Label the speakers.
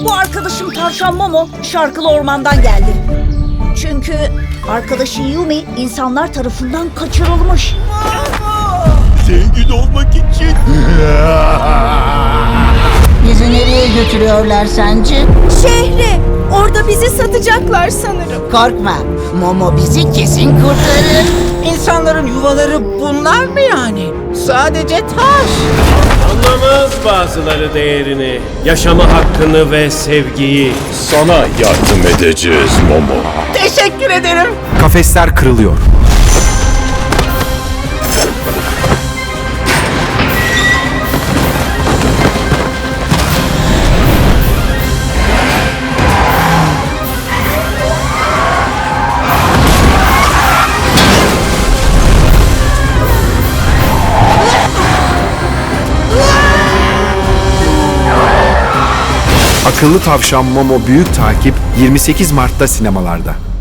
Speaker 1: Bu arkadaşım Tavşan Momo şarkılı ormandan geldi. Çünkü arkadaşı Yumi insanlar tarafından kaçırılmış.
Speaker 2: Zengin olmak için.
Speaker 3: Bizi nereye götürüyorlar sence?
Speaker 4: Şehre. Orada bizi satacaklar sanırım.
Speaker 3: Korkma, Momo bizi kesin kurtarır.
Speaker 5: İnsanların yuvaları bunlar mı yani? Sadece taş.
Speaker 6: Anlamaz bazıları değerini, yaşama hakkını ve sevgiyi.
Speaker 2: Sana yardım edeceğiz Momo.
Speaker 5: Teşekkür ederim.
Speaker 7: Kafesler kırılıyor. Akıllı Tavşan Momo Büyük Takip 28 Mart'ta sinemalarda.